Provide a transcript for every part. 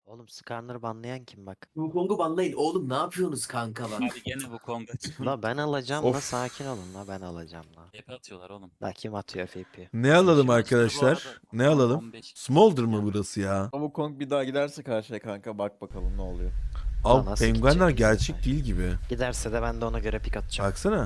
Oğlum Skarner'ı banlayan kim bak. Wukong'u banlayın. Oğlum ne yapıyorsunuz kanka bak. Abi gene bu Kong'a çıkıyor. La ben alacağım la Of. sakin olun la ben alacağım la. Hep atıyorlar oğlum. La kim atıyor FP? Ne alalım Şimdi- arkadaşlar? Ne alalım? 15. Smolder mı burası ya? Ama Kong bir daha giderse karşıya kanka bak bakalım ne oluyor. Ulan Abi nasıl penguenler gidecek gerçek bize? değil gibi. Giderse de ben de ona göre pik atacağım. Baksana.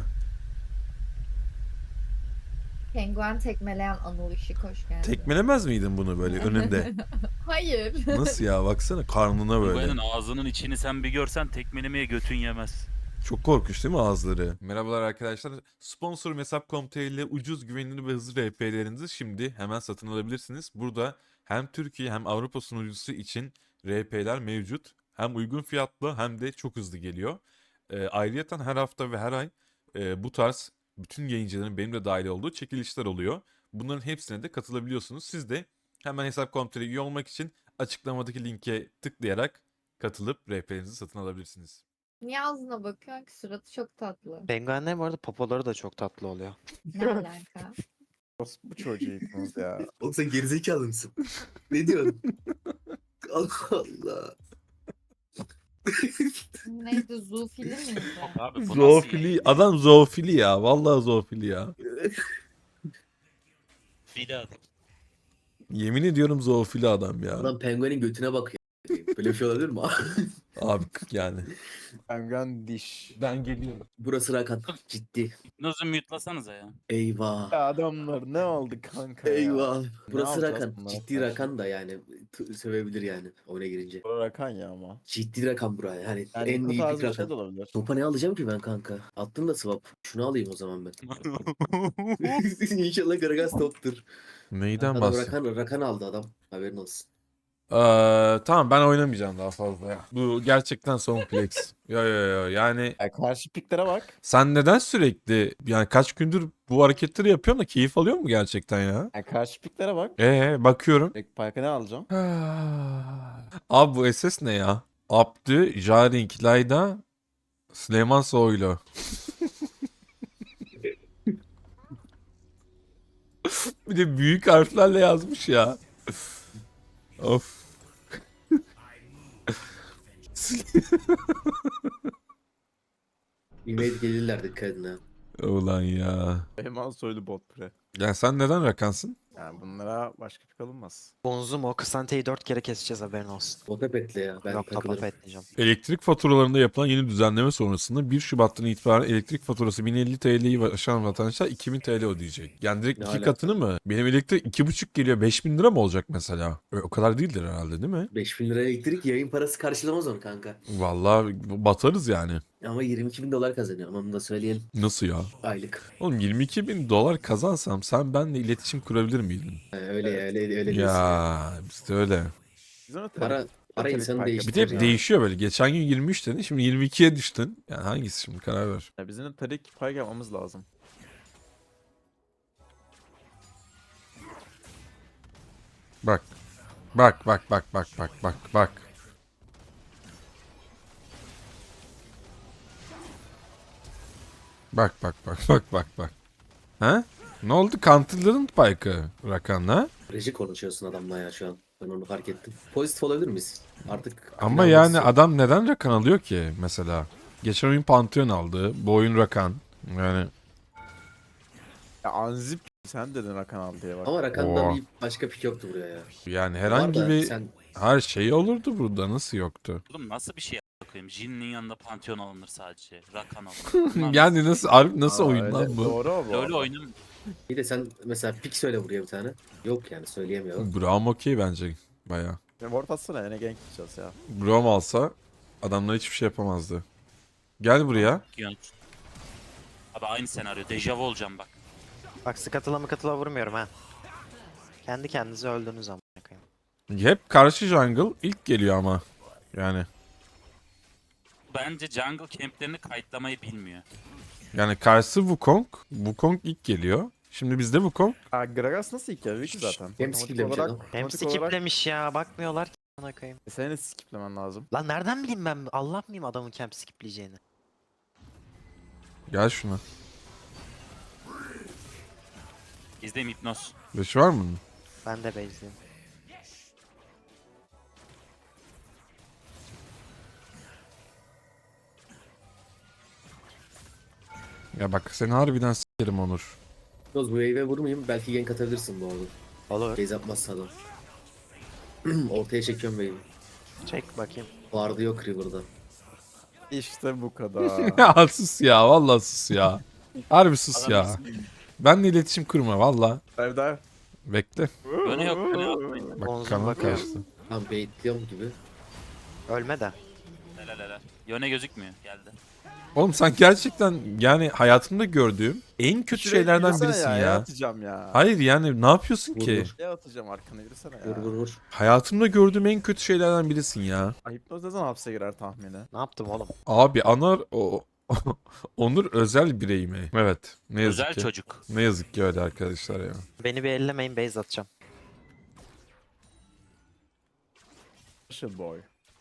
Penguen tekmeleyen Anıl Işık hoş geldin. Tekmelemez miydin bunu böyle önünde? Hayır. Nasıl ya baksana karnına böyle. Penguen'in ağzının içini sen bir görsen tekmelemeye götün yemez. Çok korkunç değil mi ağızları? Merhabalar arkadaşlar. Sponsorum Hesap.com.tr ile ucuz, güvenilir ve hızlı RP'lerinizi şimdi hemen satın alabilirsiniz. Burada hem Türkiye hem Avrupa sunucusu için RP'ler mevcut. Hem uygun fiyatlı hem de çok hızlı geliyor. Ayrıyeten her hafta ve her ay bu tarz bütün yayıncıların benim de dahil olduğu çekilişler oluyor. Bunların hepsine de katılabiliyorsunuz. Siz de hemen Hesap.com.tr üye olmak için açıklamadaki linke tıklayarak katılıp RP'lerinizi satın alabilirsiniz. Niye ağzına bakıyorsun ki? Suratı çok tatlı. Penguenler bu arada popoları da çok tatlı oluyor. Ne alaka? Bu çocuğu yıktınız ya. Oğlum sen gerizekalı mısın? Ne diyorsun? Allah Allah. Neydi? Zoofili miydi? Abi bu nasıl Zoofili, yayın? adam zoofili ya. Vallahi zoofili ya. Fili adam. Yemin ediyorum zoofili adam ya. Adam penguenin götüne bakıyor. Böyle bir şey olabilir mi? Abi yani. Penguen diş. Ben geliyorum. Burası Rakan. Ciddi. Hipnozu mute'lasanıza ya. Eyvah. Ya adamlar ne oldu kanka ya? Eyvah. Burası yapacağız Rakan. bunlara Ciddi karşı? Rakan da yani sövebilir yani oyuna girince. Bura Rakan ya ama. Ciddi Rakan buraya. Yani Yani en bu iyi tarz bir bir şey de Rakan. olabilir. Topa ne alacağım ki ben kanka? Attım da swap. Şunu alayım o zaman ben. İnşallah Gragas toptur. Neyden Adam bahsediyorsun? Rakan aldı adam. Haberin olsun. Tamam ben oynamayacağım daha fazla ya. Bu gerçekten son flex. Yo yani Ya karşı piklere bak. sen neden sürekli yani kaç gündür bu hareketleri yapıyorsun da keyif alıyor mu gerçekten ya? Ya karşı piklere bak. Bakıyorum. Direkt Pike'a ne alacağım? Abi bu SS ne ya? Abdü, Jaring, Layda, Süleyman Soylu. Bir de büyük harflerle yazmış ya. Of. Ümit gelirler dikkat edin ha. Ulan ya. Hemen soylu bot pre. Ya sen neden rakansın? Yani bunlara başka pik alınmaz. Bonzum o Kısante'yi 4 kere keseceğiz haberin olsun. O pepetle ya. Ben Yok topa takılırım. etmeyeceğim. Elektrik faturalarında yapılan yeni düzenleme sonrasında 1 Şubat'tan itibaren elektrik faturası 1050 TL'yi aşan vatandaşlar 2000 TL ödeyecek. Yani direkt Ne iki alaka? katını mı? Benim elektrik 2,5 geliyor 5000 lira mı olacak mesela? O kadar değildir herhalde değil mi? 5000 lira elektrik yayın parası karşılamaz onu kanka. Vallahi batarız yani. Ama 22 bin dolar kazanıyor. Ama onu da söyleyelim. Nasıl ya? Aylık. Oğlum 22 bin dolar kazansam sen benimle iletişim kurabilir miydin? Öyle ya öyle diyorsun. Ya işte öyle. Biz ona Para Tabii insanı fark Bir değiştiriyor. de ya. değişiyor böyle. Geçen gün 23 dedin şimdi 22'ye düştün. Yani hangisi şimdi karar ver. Ya bizim de tarik pike yapmamız lazım. Bak. Bak. Bak. Ha? Ne oldu? Counter'ladın Pike'ı Rakan'la. Reji konuşuyorsun adamla ya şu an. Ben onu fark ettim. Pozitif olabilir miyiz? Artık Ama final yani maçı. adam neden Rakan alıyor ki mesela? Geçen oyun Pantheon aldı. Bu oyun Rakan. Yani Ya Anzip sen dedin Rakan al diye bak. Ama Rakan'da Oo. bir başka pik yoktu buraya ya. yani Var herhangi da bir sen her şey olurdu burada. Nasıl yoktu? Oğlum nasıl bir şey koyayım? Jin'in yanında Pantheon alınır sadece. Rakan alınır. Bunlar Yani nasıl Arif nasıl Aa, oyun öyle. lan bu? Doğru o bu. LoL arada. oyunum. bir de sen mesela pik söyle buraya bir tane. Yok yani söyleyemiyor. Braum okey bence baya. Ya ward atsana yine gank gideceğiz ya. Braum alsa adamlar hiçbir şey yapamazdı. Gel buraya. Abi aynı senaryo. Dejavu olacağım bak. Bak katıla vurmuyorum ha. Kendi kendinize öldünüz ama. Hep karşı jungle ilk geliyor ama. Yani. Bence jungle camplerini kayıtlamayı bilmiyor. Yani karşı Wukong. Wukong ilk geliyor. Şimdi bizde Wukong. Ha Gragas nasıl ilk ya? Wiki zaten. Hem Otomatik skiplemiş olarak- adam. Hem otomatik olarak- skiplemiş ya bakmıyorlar ki bana koyayım. Senin de skiplemen lazım. Lan nereden bileyim ben Allah mıyım adamın camp skipleyeceğini? Gel şuna. İzleyim hipnoz. Beş var mı? Ben de base'liyim. Ya bak seni harbiden s**erim Onur. Yalnız bu wave'e vurmayayım. Belki gank atabilirsin bu arada. Olur. Base atmazsa adam. Ortaya çekiyorum wave'i. Çek bakayım. Vardı yok River'da. İşte bu kadar. Ya sus ya vallahi sus ya. Harbi sus ya. Benle iletişim kurma valla. Evde. Bekle. Öne yok. Öne yok. Bak Omzum kanal bakıyor. kaçtı. Tam baitliyorum gibi. Ölme de. Helal helal. Yöne gözükmüyor. Geldi. Oğlum sen gerçekten yani hayatımda gördüğüm en kötü şeylerden Yürüsene birisin ya. ya. Atacağım ya. Hayır yani ne yapıyorsun Vur, ki? vur. Ya atacağım arkana yürüsene ya. Vur vur vur. Hayatımda gördüğüm en kötü şeylerden birisin ya. Hipnoz ne zaman hapse girer tahmini? Ne yaptım oğlum? Abi Anar o Onur özel birey mi? Evet. Ne yazık Özel ki. çocuk. Ne yazık ki öyle arkadaşlar ya. Beni bir ellemeyin, base atacağım. Special boy.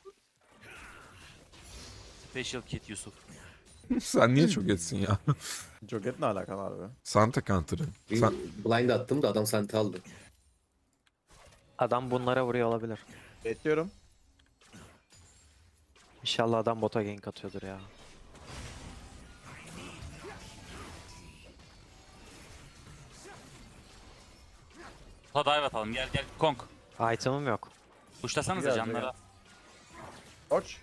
Special Kid Yusuf. Sen niye çok etsin ya? Joget ne alakalı abi? Santa Counter'ı. Bir Sen... blind attım da adam senti aldı. Adam bunlara vuruyor olabilir. Bekliyorum. İnşallah adam bota gank atıyordur ya. Ta dive atalım. Gel gel. Kong. Item'ım yok. Kuşlasanıza Gel, canlara. Koç.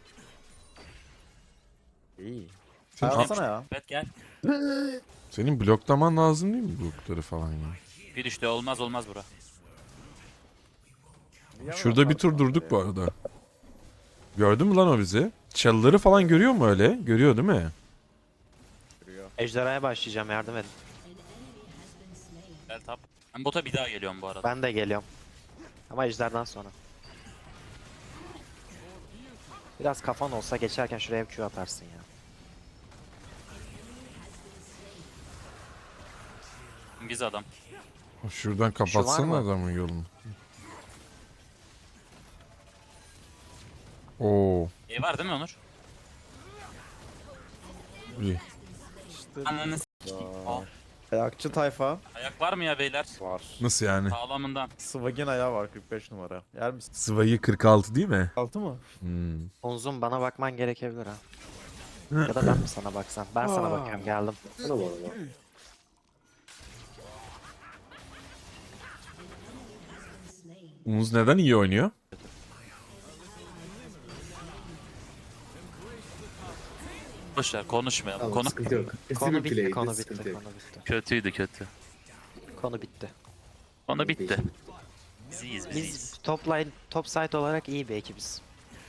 İyi. Sen- Alsana ya. Evet gel. Senin bloklaman lazım değil mi blokları falan ya? Bir düştü. Olmaz olmaz bura. Şurada bir tur durduk bu arada. Gördün mü lan o bizi? Çalıları falan görüyor mu öyle? Görüyor değil mi? Ejderhaya başlayacağım, yardım edin. Gel tap. Ben bota bir daha geliyorum bu arada. Ben de geliyorum. Ama ejderden sonra. Biraz kafan olsa geçerken şuraya bir Q atarsın ya. İngiliz adam. Şuradan kapatsana mı? adamın yolunu. Oo, Var değil mi Onur? iyi. İşte Ananı s***. Al. ayakçı tayfa Ayak var mı ya beyler? var. Nasıl yani? Sağlamından. Swag'in ayağı var 45 numara. Yer misin? Sıvayı 46 değil mi? 6 mı? Hmm. Onzum, bana bakman gerekebilir ha. Ya da ben mi sana baksam? Ben sana bakıyorum, geldim. Bana bu arada. Umuz neden iyi oynuyor? Boşver konuşmayalım. Tamam Konu sıkıntı yok. Konu bir bitti, play'di, konu bitti, sıkıntı yok. konu bitti. kötüydü kötü. Konu bitti. Konu bitti. Biz iyiyiz biz iyiyiz. Biz top line, top side olarak iyi bir ekibiz.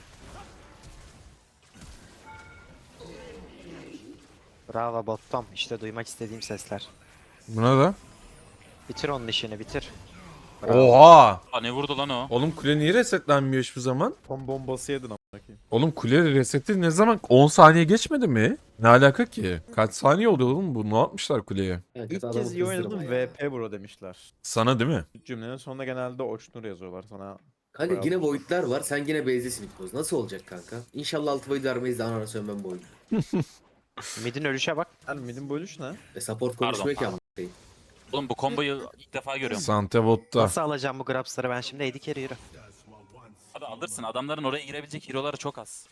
Bravo bottom. İşte duymak istediğim sesler. Buna da. Bitir onun işini, bitir. Oha! Aa, ne vurdu lan o? Oğlum kule niye resetlenmiyor hiçbir zaman? Tom bombası yedin amına koyayım. Oğlum kule reseti ne zaman? 10 saniye geçmedi mi? Ne alaka ki? Kaç saniye oluyor oğlum bu? Ne yapmışlar kuleye? Yani İlk adamı kez iyi kızdırma oynadım ya. VP bro demişler. Sana değil mi? Cümlenin sonunda genelde Oçnur yazıyorlar sana. Kanka Bravo. yine void'ler var. Sen yine base'desin Hipnoz. Nasıl olacak kanka? İnşallah 6 void vermeyiz de anana sönmem bu oyunu. Mid'in ölüşe bak. Yani midin bölüş ne? Support Pardon, konuşmuyor ki pardon. ama. Oğlum bu komboyu ilk defa görüyorum. Sante botta. Nasıl alacağım bu grabsları ben şimdi? AD carry yürü. Abi alırsın. Adamların oraya girebilecek hero'ları çok az.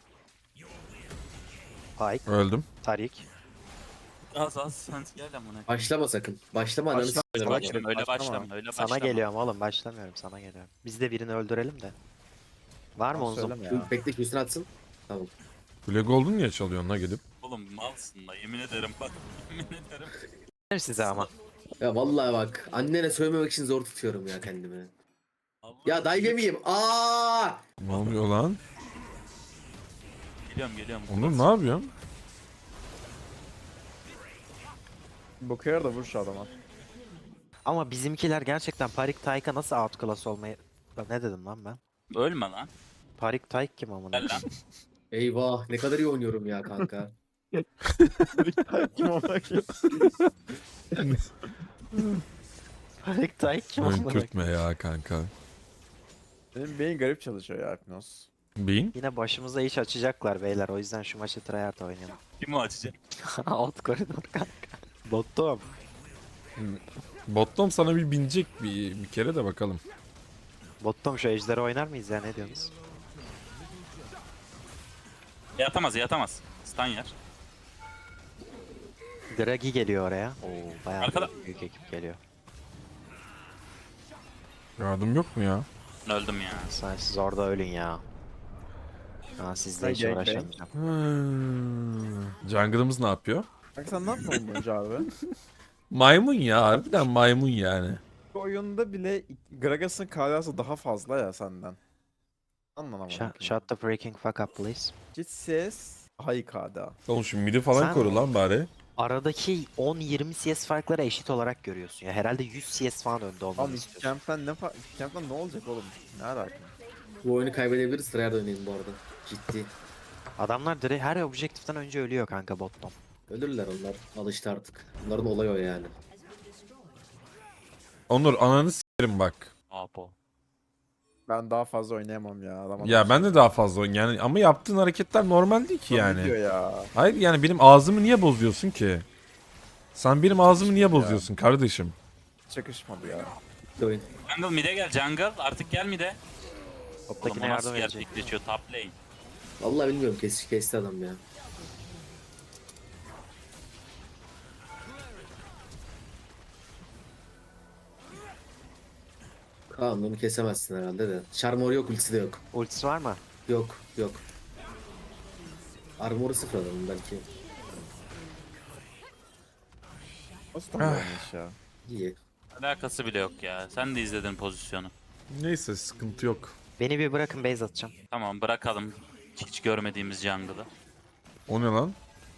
Pike, Öldüm. Tarik. Az sen gel lan buna. Başlama sakın. Başlama ananı Başlama. s**erim. Başlama. Başlama, öyle Başlama. başlama, öyle başlama. Sana geliyorum oğlum, başlamıyorum, sana geliyorum. Biz de birini öldürelim de. Var mı Onzum? Söyleme ya. Bekle ki üstüne atsın. Tamam. Kule Golden niye çalıyorsun la gidip? Oğlum malsın da yemin ederim bak. Yemin ederim. Benim size ama. Ya vallahi bak. Annene söylememek için zor tutuyorum ya kendimi. Allah Ya dive yemeyeyim. Aa! Ne oluyor lan? Geliyorum. Onur ne yapıyorsun? Bakıyor da vur şu adama. Ama bizimkiler gerçekten Parik Tayk'a nasıl outclass olmayı... Lan ne dedim lan ben? Ölme lan. Parik Tayk kim amına? Gel lan. Eyvah ne kadar iyi oynuyorum ya kanka. Kim amına koyayım? Parik Tayk kim Oyun amına? kürtme ya kanka. Benim beyin garip çalışıyor ya Hipnoz. Beyin? Yine başımıza iş açacaklar beyler, o yüzden şu maçı tryhard oynayalım. Kim o açacak? Alt koridor kanka. Bottom. Bottom sana bir binecek bir kere de bakalım. Bottom şu ejderi oynar mıyız ya, ne diyorsunuz? Yatamaz. Stun yer. Draghi geliyor oraya. Oo, bayağı Arkada. büyük ekip geliyor. Yardım yok mu ya? Öldüm ya. Siz orada ölün ya. Ha, sizle hiç Gangbang. uğraşamayacağım. Jungle'ımız ne yapıyor? Bak sen ne yaptın boyunca abi? Maymun ya, harbiden maymun yani. Bu oyunda bile Gragas'ın KDA'sı daha fazla ya senden. Anlamadım. Shut the freaking fuck up please. Git ses. Hay KDA. Oğlum şu midi falan Sen- koru lan bari. Aradaki 10-20 CS farkları eşit olarak görüyorsun ya. Herhalde 100 CS falan önde olmanı Abi istiyorsun. Camp'ten ne olacak oğlum? Ne alaka? Bu oyunu kaybedebiliriz. Sıraya döneyim bu arada. Ciddi. Adamlar direkt her objektiften önce ölüyor kanka bottom. Ölürler onlar. Alıştı artık. Bunların olayı o yani. Onur ananı s**erim bak. Apo. Ben daha fazla oynayamam ya. Adam Ya ben de daha fazla oyun yani ama yaptığın hareketler normal değil ki Ne diyor yani. ya? Hayır yani benim ağzımı niye bozuyorsun ki? Sen benim ağzımı niye bozuyorsun kardeşim? Çakışmadı ya. Bitti oyun. Jungle mid'e gel jungle. Artık gel mid'e. Oğlum Toptakine o nasıl yardım edecek. gerçekleşiyor top lane. Vallahi bilmiyorum. Kesti adam ya. Kaan onu kesemezsin herhalde de. Charmor yok, ultisi de yok. Ultisi var mı? Yok, yok. Armor'u sıfır adamın belki. Nasıl tam oynamış ya? İyi. Alakası bile yok ya. Sen de izledin pozisyonu. Neyse sıkıntı yok. Beni bir bırakın base atacağım. Tamam bırakalım. Hiç görmediğimiz jungle'ı. O ne lan?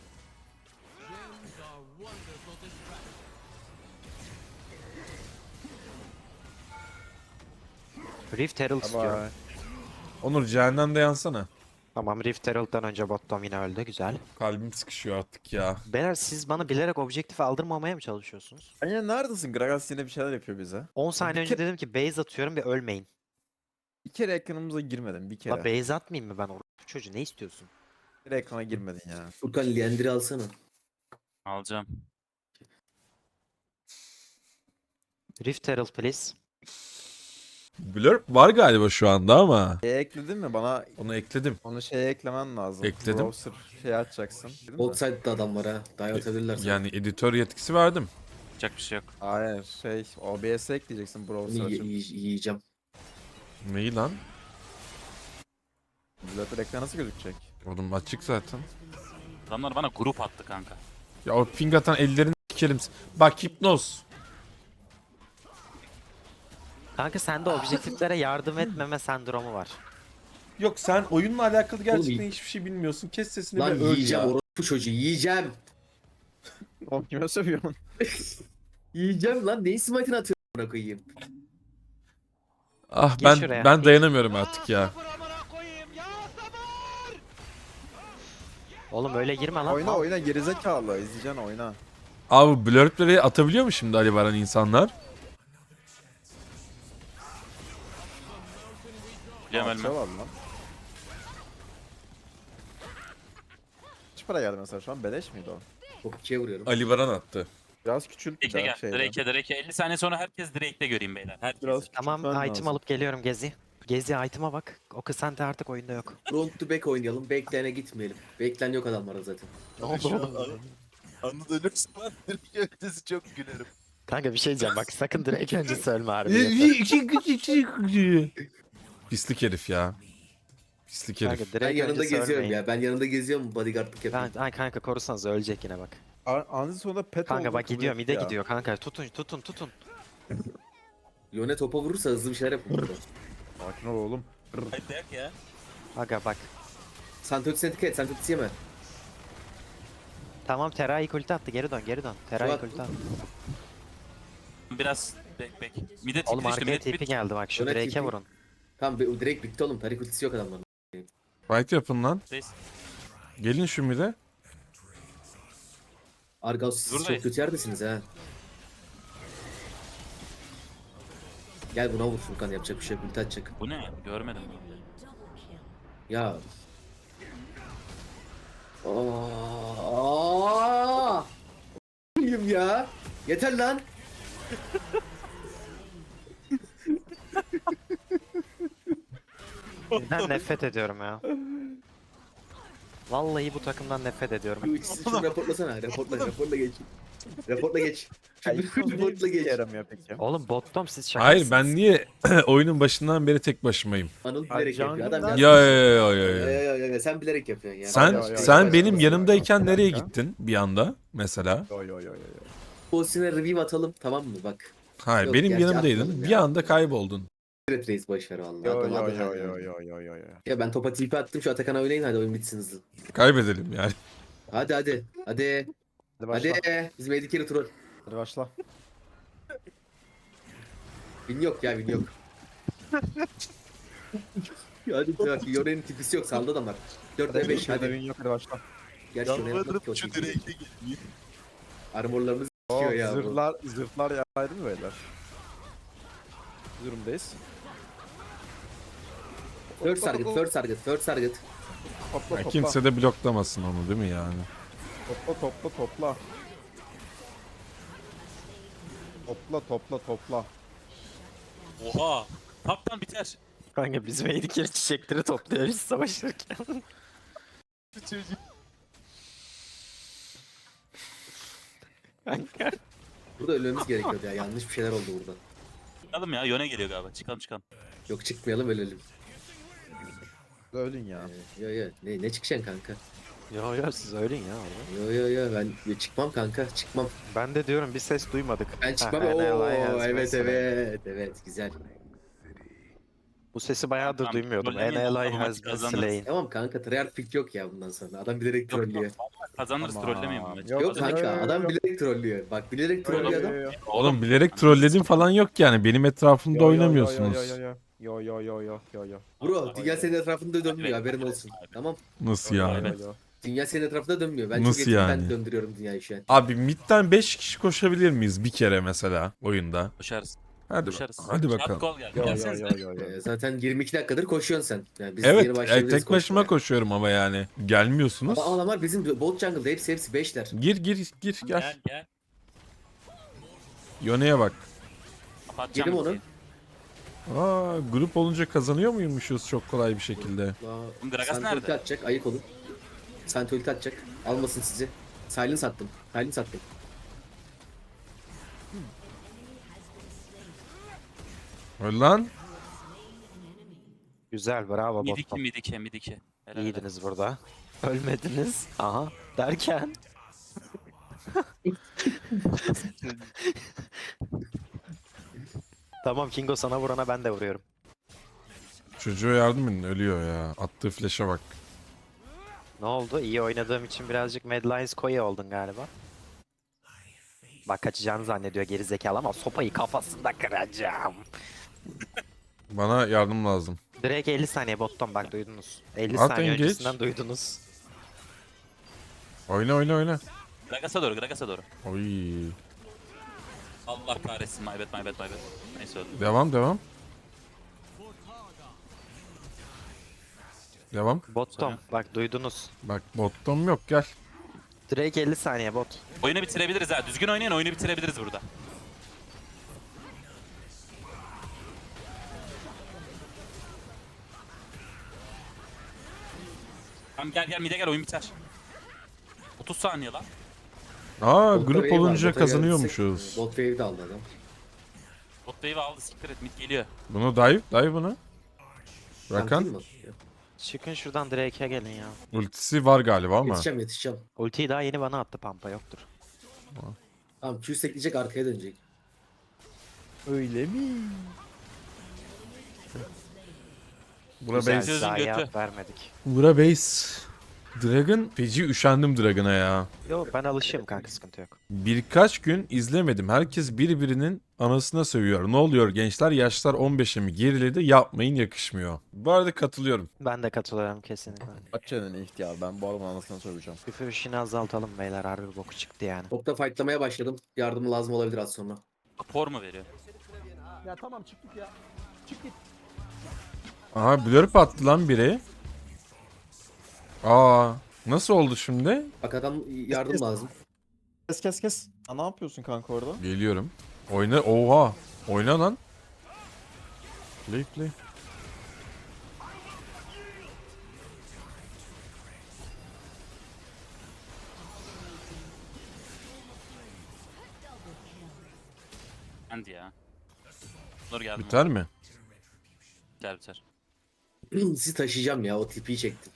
Rift Herald istiyorum. Ama Onur cehennemde yansana. Tamam Rift Herald'dan önce bottom yine öldü güzel. Kalbim sıkışıyor artık ya. Beyler siz bana bilerek objektifi aldırmamaya mı çalışıyorsunuz? ya neredesin? Gragas yine bir şeyler yapıyor bize. 10 saniye Bir önce kere- dedim ki base atıyorum ve ölmeyin. Bir kere ekranımıza girmedin bir kere. La base atmayayım mı ben orospu çocuğu ne istiyorsun? Bir kere ekrana girmedin ya. Furkan Liendry'i alsana. Alacağım. Rift Herald please. Blurb var galiba şu anda ama. Ekledin mi? Bana Onu ekledim. onu şeye eklemen lazım. Ekledim. Browser şey açacaksın. Değil mi? Outside'da adam var ha. Dive atabilirler sana. Yani editör yetkisi verdim. Yapacak bir şey yok. Hayır OBS'e ekleyeceksin browser Bunu açıp. yiyeceğim. Neyi lan? Zaten ekran nasıl gözükecek? Oğlum açık zaten. Adamlar bana grup attı kanka. Ya o ping atan ellerini sikerim. Bak hipnoz. Kanka sende objektiflere yardım etmeme sendromu var. Yok sen oyunla alakalı gerçekten Oğlum, hiçbir şey bilmiyorsun. Kes sesini Lan ve öl yiyeceğim ya. orospu çocuğu yiyeceğim. Oğlum kime sövüyorsun? Yiyeceğim lan. Neyi smite'ini atıyorum buna koyayım. Ah Gir ben şuraya. ben dayanamıyorum artık ya. Oğlum öyle girme lan. Oyna mal. oyna gerizekalı. İzleyeceksin oyna. Abi blurpleri atabiliyor mu şimdi Ali Baran insanlar? Biliyorum Alça ölme. var lan. Kaç para geldi mesela şu an? Beleş miydi o? Çok ikiye vuruyorum. Ali Baran attı. Biraz küçült bir Drake'e daha gel. şeyden. Drake'e. 50 saniye sonra herkes Drake'de göreyim beyler. Herkes. Biraz Tamam küçültmen item lazım. alıp geliyorum Gezi. Gezi item'a bak. O kısante artık oyunda yok. Front to back oynayalım. Backline'e gitmeyelim. Backline yok adamlarda zaten. Ne oldu oğlum? Anıl ölürse ben direkt ötesi çok gülerim. Kanka bir şey diyeceğim bak sakın direkt önce söyleme harbi. Pislik herif ya. Pislik herif. Kanka Ben direkt yanında önce geziyorum söylemeyin. ya. Ben yanında geziyorum. Bodyguardlık yapıyorum. Ay kanka korusanız ölecek yine bak. Anzi sonunda pet Kanka oldu, bak kabul gidiyor etti mide ya. gidiyor kanka tutun. Yone topa vurursa hızlı bir şeyler yapın burada. Sakin ol oğlum. Hadi dayak ya. Aga bak. Santöks'e dikkat et. Santöks'ü yeme. Tamam Terai ulti attı geri dön. Terai Suat- ulti attı. Biraz bek. Mide Oğlum tipi işte arkaya mide tipi tipi. geldi bak şu Öyle Drake'e tipi. vurun. Tamam direkt bitti oğlum. Tarik ultisi yok adamların. Fight yapın lan. Reis. Gelin şu mide. Argaus siz Buradayız. çok kötü yerdesiniz ha. Gel buna vur Furkan yapacak bir şey yok. Ulti atacak. Bu ne? Görmedim. Ya. Aaaa. Ya. Yeter lan. Ben nefret ediyorum ya. Vallahi bu takımdan nefret ediyorum. Şunu raporlasana. Raporla geç. Raporla geç. Ya Şunu ilk niye raporla bir geç. yaramıyor peki? Oğlum bottom siz şaka Hayır mısınız? ben niye oyunun başından beri tek başımayım? Anıl Ay, bilerek yapıyor. Adam Jungle'dan- Ya yazmış. ya ya ya. Sen bilerek yapıyorsun ya. Sen Ya, ya, sen ya, benim ya, yanımdayken ya, nereye ya. gittin bir anda mesela? Yo yo yo yo yo. Pozisyona review atalım tamam mı bak. Hayır Yok, benim gerçi yanımdaydın. atmadım Bir ya. anda kayboldun. Red Race boşver valla. Yo Adam yo adı yo hadi yo yani. yo yo yo yo. Ya ben topa TP attım şu Atakan'a oynayın hadi oyun bitsin hızlı. Kaybedelim yani. Hadi. Hadi başla. Hadi. Bizim Eddie Carey troll. Hadi başla. Win yok ya win yok. Hadi bak Yoren'in tipisi yok saldı adamlar. 4 ve 5 Hadi hadi. win yok hadi başla. Gerçi Yoren yapmadı Yalvarırım ki o şu tipi. direkte geliyor. Armorlarımız Oh, sikiyor ya bu. zırhlar yaraydı mı beyler? Bu durumdayız. First target. Topla Ya topla. kimse de bloklamasın onu değil mi yani? Topla. Topla. Oha. Taptan biter. Kanka biz Medicare çiçekleri topluyoruz savaşırken. Kanka. Burada ölmemiz gerekiyordu ya. Yanlış bir şeyler oldu burada. Çıkalım ya. Yöne geliyor galiba. Çıkalım. Yok çıkmayalım ölelim. Ölün ya. Yo. Ne çıkacaksın kanka? Yo siz ölün ya orada. Yo ben çıkmam kanka çıkmam. Ben de diyorum bir ses duymadık. Ben çıkmam. Ha, Oo NLI has evet been slain. evet güzel. Bu sesi bayağıdır Tamam, duymuyordum. trollemeyin, NLI tamam, has hadi been kazanırız. slain. Tamam kanka tryhard pick yok ya bundan sonra. Adam bilerek Yok, trollüyor. Kazanırız Tamam. trollemeyin bu maçı. Yok, Yok Kazanırız. kanka yo. adam bilerek trollüyor. Bak bilerek trollüyor adam. Oğlum bilerek trolledim falan yok yani. Benim etrafımda oynamıyorsunuz. Yo. Bro dünya senin etrafında dönmüyor haberin olsun. Tamam. Nasıl yani? Dünya senin etrafında dönmüyor. Ben Nasıl çok etkili yani? ben döndürüyorum dünyayı şu an. Abi midden 5 kişi koşabilir miyiz bir kere mesela oyunda? Koşarız. Hadi Koşarız. hadi Şart bakalım. gol geldi. Yo Gelsenize. Zaten 22 dakikadır koşuyorsun sen. Yani biz Evet, yeni başlayabiliriz tek başıma koşmaya. koşuyorum ama yani. Gelmiyorsunuz. Ama adamlar bizim bot jungle'da hepsi 5'ler. Gir gel. Gel. Yone'ye bak. Kapatacağım. Yedim onu. ultiyi. Aa, grup olunca kazanıyor muymuşuz çok kolay bir şekilde? Gragas Santi nerede? ulti atacak ayık olun. Santi ulti atacak. Almasın sizi. Silence attım. Öl lan. Güzel bravo bottom. Midike. Helal, İyiydiniz burada. Ölmediniz. Aha. Derken. Tamam Kingo sana vurana ben de vuruyorum. Çocuğa yardım edin ölüyor ya. Attığı flash'a bak. Ne oldu? İyi oynadığım için birazcık Mad Lions koyu oldun galiba. Bak kaçacağını zannediyor geri zekalı ama sopayı kafasında kıracağım. Bana yardım lazım. Direkt 50 saniye bottom bak duydunuz. 50 At saniye engage. öncesinden duydunuz. Oyna. Gragas'a doğru. Oy. Allah kahretsin. My bad. Neyse öldüm. Devam. Devam. Bottom bak duydunuz. Bak bottom yok gel. Direkt 50 saniye bot. Oyunu bitirebiliriz ha. Düzgün oynayın oyunu bitirebiliriz burada. Tamam gel mid'e gel oyun biter. 30 saniye lan. Aa Botta grup wave var, olunca bota kazanıyormuşuz. geldiysek, Bot wave de aldı adam. Bot wave aldı siktir et mid geliyor. Bunu dive bunu. Tankin Rakan mi? Çıkın şuradan Drake'e gelin ya. ultisi var galiba ama. Yetişeceğim. Ultiyi daha yeni bana attı pampa yoktur. Tamam Q sekleyecek arkaya dönecek. Öyle mi? Bura Güzel base. Sözün zayiat götü. vermedik. Bura base. Dragon. Feci üşendim Dragon'a ya. Yo ben alışığım kanka sıkıntı yok. Birkaç gün izlemedim. Herkes birbirinin anasına sövüyor. Ne oluyor gençler? Yaşlar 15'e mi geriledi? Yapmayın yakışmıyor. Bu arada katılıyorum. Ben de katılıyorum kesinlikle. Aç çeneni ihtiyar ben bu adamın anasını söyleyeceğim. Küfür işini azaltalım beyler harbi boku çıktı yani. Topta fightlamaya başladım. Yardımı lazım olabilir az sonra. Rapor mu veriyor? Ya tamam çık git ya. Çık git. Aha blurp attı lan biri. Aa nasıl oldu şimdi? Bak adam yardım lazım. Kes. Ha, ne yapıyorsun kanka orada? Geliyorum. Oyna. Oha. Oyna lan. Play. End ya. Dur geldim. Biter mi? Biter biter. Sizi taşıyacağım ya, o tipi çektim.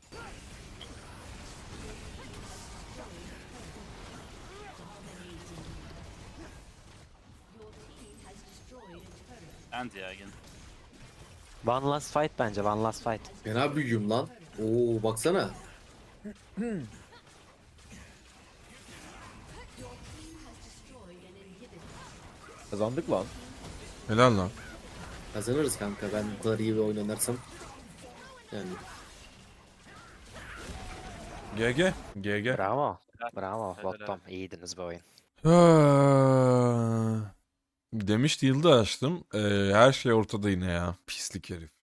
End ya gene. One last fight bence. One last fight. Fena büyüğüm lan. Oo baksana. Kazandık lan. Helal lan. Kazanırız kanka, ben bu kadar iyi bir oyun oynarsam. Yani GG. GG. Bravo. Bravo. Helal, Bottom. İyiydiniz bu oyun. Demişti yılda açtım. Her şey ortada yine ya. Pislik herif.